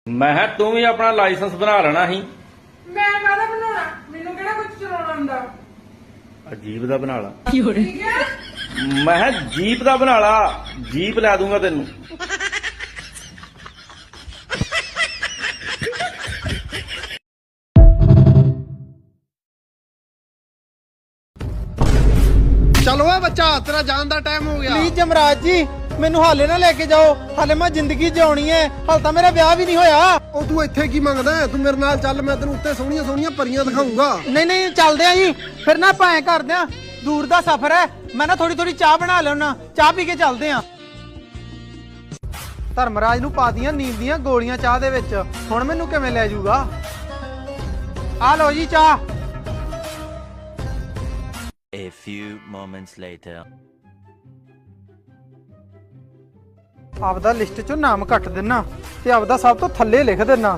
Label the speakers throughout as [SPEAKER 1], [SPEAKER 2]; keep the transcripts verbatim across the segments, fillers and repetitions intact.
[SPEAKER 1] ਮੈਂ ਕਿਹਾ ਤੂੰ ਵੀ ਆਪਣਾ ਲਾਇਸੈਂਸ ਬਣਾ ਲੈਣਾ ਸੀ।
[SPEAKER 2] ਮੈਂ ਕਾਹਦਾ ਬਣਾਉਣਾ? ਮੈਨੂੰ ਕਿਹੜਾ ਕੁਝ ਚਲਾਉਣਾ ਆਉਂਦਾ?
[SPEAKER 1] ਅਜੀਬ ਦਾ ਬਣਾ ਲਾ।
[SPEAKER 2] ਠੀਕ ਹੈ।
[SPEAKER 1] ਮੈਂ ਕਿਹਾ ਜੀਪ ਦਾ ਬਣਾ ਲਾ, ਜੀਪ ਲੈ ਦੂੰਗਾ ਤੈਨੂੰ।
[SPEAKER 3] चलो है बच्चा, तेरा जान दा टाइम हो गया।
[SPEAKER 4] ਪਲੀਜ਼ ਜਮਰਾਜ ਜੀ ਮੈਨੂੰ ਹਾਲੇ ਨਾ ਲੈ ਕੇ ਜਾਓ, ਹਾਲੇ ਮੈਂ ਜ਼ਿੰਦਗੀ ਜਿਉਣੀ ਹੈ, ਹਾਲੇ ਤਾਂ ਮੇਰਾ ਵਿਆਹ ਵੀ ਨਹੀਂ ਹੋਇਆ।
[SPEAKER 3] ਉਹ ਤੂੰ ਇੱਥੇ ਕੀ ਮੰਗਦਾ ਹੈ? ਤੂੰ ਮੇਰੇ ਨਾਲ ਚੱਲ, ਮੈਂ ਤੈਨੂੰ ਉੱਤੇ ਸੋਹਣੀਆਂ ਸੋਹਣੀਆਂ ਪਰੀਆਂ ਦਿਖਾਉਂਗਾ।
[SPEAKER 4] ਨਹੀਂ ਨਹੀਂ ਚੱਲਦੇ ਆ ਜੀ, ਫਿਰ ਨਾ ਆਪਾਂ ਐਂ ਕਰਦੇ ਆ, ਦੂਰ ਦਾ ਸਫ਼ਰ ਹੈ, ਮੈਂ ਨਾ ਥੋੜੀ ਥੋੜੀ ਚਾਹ ਬਣਾ ਲੈਣਾ, ਚਾਹ ਪੀ ਕੇ ਚੱਲਦੇ ਆ। ਧਰਮਰਾਜ ਨੂੰ ਪਾਤੀਆਂ ਨੀਂਦ ਦੀਆਂ ਗੋਲੀਆਂ ਚਾਹ ਦੇ ਵਿੱਚ, ਹੁਣ ਮੈਨੂੰ ਕਿਵੇਂ ਲੈ ਜਾਊਗਾ? ਆ ਲਓ ਜੀ ਚਾਹ।
[SPEAKER 5] A few moments later.
[SPEAKER 4] ਆਪਦਾ ਲਿਸਟ ਚੋਂ ਨਾਮ ਕੱਟ ਦੇਣਾ ਤੇ ਆਪਦਾ ਸਭ ਤੋਂ ਥੱਲੇ ਲਿਖ ਦੇਣਾ।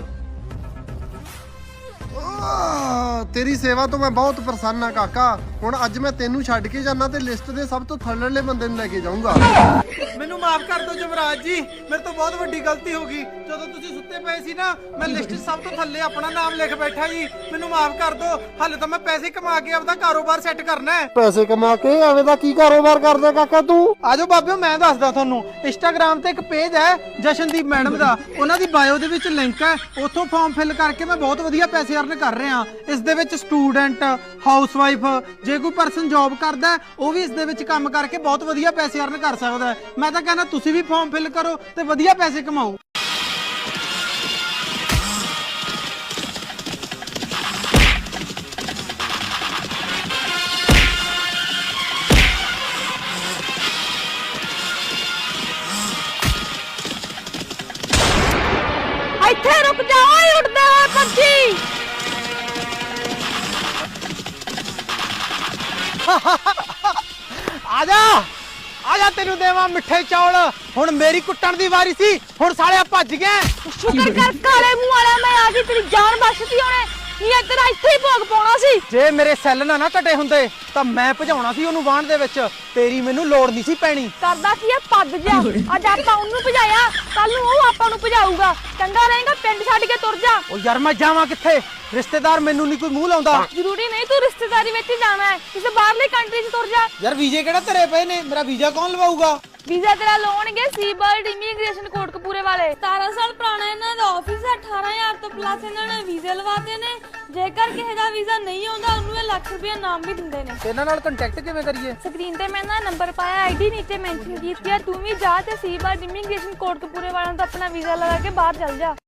[SPEAKER 3] ਆਹ, ਤੇਰੀ ਸੇਵਾ ਤੋਂ ਮੈਂ ਬਹੁਤ ਪ੍ਰਸੰਨ ਆ ਕਾਕਾ। ਹੁਣ ਅੱਜ ਮੈਂ ਤੈਨੂੰ ਛੱਡ ਕੇ ਜਾਣਾ ਤੇ ਲਿਸਟ ਦੇ ਸਭ ਤੋਂ ਥੱਲੇਲੇ ਬੰਦੇ ਨੂੰ ਲੈ ਕੇ ਜਾਊਂਗਾ।
[SPEAKER 4] ਮੈਨੂੰ ਮਾਫ ਕਰ ਦਿਓ ਜਮਰਾਜ ਜੀ, ਮੇਰੇ ਤੋਂ ਬਹੁਤ ਵੱਡੀ ਗਲਤੀ ਹੋ ਗਈ। ਜਦੋਂ ਤੁਸੀਂ ਸੁੱਤੇ ਪਏ ਸੀ ਨਾ, ਮੈਂ ਲਿਸਟ 'ਚ ਸਭ ਤੋਂ ਥੱਲੇ ਆਪਣਾ ਨਾਮ ਲਿਖ ਬੈਠਾ ਜੀ, ਮੈਨੂੰ ਮਾਫ ਕਰ ਦਿਓ। ਹਾਲੇ ਤਾਂ ਮੈਂ ਪੈਸੇ ਕਮਾ ਕੇ ਆਪਦਾ ਕਾਰੋਬਾਰ ਸੈੱਟ ਕਰਨਾ ਹੈ।
[SPEAKER 3] ਪੈਸੇ ਕਮਾ ਕੇ ਐਵੇਂ ਦਾ ਕੀ ਕਾਰੋਬਾਰ ਕਰਦਾ ਕਾਕਾ ਤੂੰ?
[SPEAKER 4] ਆਜੋ ਬਾਬਿਓ, ਮੈਂ ਦੱਸਦਾ ਤੁਹਾਨੂੰ। ਇੰਸਟਾਗ੍ਰਾਮ ਤੇ ਇੱਕ ਪੇਜ ਹੈ ਜਸ਼ਨਦੀਪ ਮੈਡਮ ਦਾ, ਉਹਨਾਂ ਦੀ ਬਾਇਓ ਦੇ ਵਿੱਚ ਲਿੰਕ ਹੈ, ਉੱਥੋਂ ਫਾਰਮ ਫਿਲ ਕਰਕੇ ਮੈਂ ਬਹੁਤ ਵਧੀਆ ਪੈਸੇ ਅਰਨ ਕਰ ਰਿਹਾ। ਇਸ ਦੇ ਵਿੱਚ ਸਟੂਡੈਂਟ, ਹਾਊਸਵਾਈਫ, ਜੇ ਕੋਈ ਪਰਸਨ ਜੌਬ ਕਰਦਾ ਉਹ ਵੀ ਇਸ ਦੇ ਵਿੱਚ ਕੰਮ ਕਰਕੇ ਬਹੁਤ ਵਧੀਆ ਪੈਸੇ ਅਰਨ ਕਰ ਸਕਦਾ ਹੈ। ਮੈਂ ਤਾਂ ਕਹਿੰਦਾ ਤੁਸੀਂ ਵੀ ਫਾਰਮ ਫਿਲ ਕਰੋ ਤੇ ਵਧੀਆ ਪੈਸੇ ਕਮਾਓ।
[SPEAKER 6] ਇੱਥੇ ਰੁਕ ਜਾ ਓਏ, ਉੱਡਦੇ ਹੋਏ ਪੰਛੀ।
[SPEAKER 4] ਆਜਾ ਆਜਾ, ਤੈਨੂੰ ਦੇਵਾਂ ਮਿੱਠੇ ਚੌਲ। ਹੁਣ ਮੇਰੀ ਕੁੱਟਣ ਦੀ ਵਾਰੀ ਸੀ, ਹੁਣ ਸਾਲਿਆ ਭੱਜ ਗਏ।
[SPEAKER 6] ਸ਼ੁਕਰ ਕਰ ਕਾਲੇ ਮੂੰਹ ਵਾਲਾ, ਮੈਂ ਆ ਗਈ, ਤੇਰੀ ਜਾਨ ਬਚਦੀ ਉਹਨੇ। ਨਹੀਂ ਇੱਧਰ ਇੱਥੇ ਹੀ ਭੋਗ ਪਾਉਣਾ ਸੀ।
[SPEAKER 4] ਜੇ ਮੇਰੇ ਸੈੱਲ ਨਾ ਨਾ ਘਟੇ ਹੁੰਦੇ ਤਾਂ ਮੈਂ ਭਜਾਉਣਾ ਸੀ ਉਹਨੂੰ ਬਾਣ ਦੇ ਵਿੱਚ, ਤੇਰੀ ਮੈਨੂੰ ਲੋੜ ਨਹੀਂ ਸੀ ਪੈਣੀ।
[SPEAKER 6] ਕਰਦਾ ਕੀ ਆ ਪੱਗ ਜਾ, ਅੱਜ ਆਪਾਂ ਉਹਨੂੰ ਭਜਾਇਆ, ਕੱਲ ਨੂੰ ਉਹ ਆਪਾਂ ਨੂੰ ਭਜਾਊਗਾ। ਚੰਗਾ ਰਹੇਗਾ ਪਿੰਡ ਛੱਡ ਕੇ ਤੁਰ ਜਾ।
[SPEAKER 4] ਉਹ ਯਾਰ ਮੈਂ ਜਾਵਾਂ ਕਿੱਥੇ? ਰਿਸ਼ਤੇਦਾਰ ਮੈਨੂੰ ਨਹੀਂ ਕੋਈ ਮੂੰਹ ਲਾਉਂਦਾ।
[SPEAKER 6] ਜ਼ਰੂਰੀ ਨਹੀਂ ਤੂੰ ਰਿਸ਼ਤੇਦਾਰੀ ਵਿੱਚ ਹੀ ਜਾਣਾ ਹੈ, ਕਿਸੇ ਬਾਹਰਲੇ ਕੰਟਰੀ 'ਚ ਤੁਰ ਜਾ।
[SPEAKER 4] ਯਾਰ ਵੀਜ਼ੇ ਕਿਹੜਾ ਧਰੇ ਪਏ ਨੇ, ਮੇਰਾ ਵੀਜ਼ਾ ਕੌਣ ਲਵਾਊਗਾ?
[SPEAKER 6] ਵੀਜ਼ਾ ਤੇਰਾ ਲਾਉਣਗੇ ਸੀਬਰਡ ਇਮੀਗ੍ਰੇਸ਼ਨ ਕੋਟਕਪੂਰੇ ਵਾਲੇ। ਸਤਾਰਾਂ ਸਾਲ ਪੁਰਾਣਾ ਇਹਨਾਂ ਦਾ ਆਫਿਸ ਹੈ, ਅਠਾਰਾਂ ਹਜ਼ਾਰ ਤੋਂ ਪਲੱਸ ਇਹਨਾਂ ਨੇ ਵੀਜ਼ੇ ਲਵਾਤੇ ਨੇ। ਜੇਕਰ ਕਿਸੇ ਦਾ ਵੀਜ਼ਾ ਨਹੀਂ ਆਉਂਦਾ ਉਹਨੂੰ ਇਹ ਲੱਖ ਰੁਪਏ ਨਾਮ ਵੀ ਦਿੰਦੇ ਨੇ।
[SPEAKER 4] ਇਹਨਾਂ ਨਾਲ ਕੰਟੈਕਟ ਕਿਵੇਂ ਕਰੀਏ?
[SPEAKER 6] ਸਕਰੀਨ ਤੇ ਮੈਂ ਨਾ ਨੰਬਰ ਪਾਇਆ, ਆਈਡੀ ਨੀਚੇ ਮੈਂਸ਼ਨ ਕੀਤੀ ਹੈ, ਤੂੰ ਵੀ ਜਾ ਤੇ ਸੀਬਰਡ ਇਮੀਗ੍ਰੇਸ਼ਨ ਕੋਟਕਪੂਰੇ ਵਾਲਿਆਂ ਤੋਂ ਆਪਣਾ ਵੀਜ਼ਾ ਲਗਾ ਕੇ ਬਾਹਰ ਚੱਲ ਜਾ।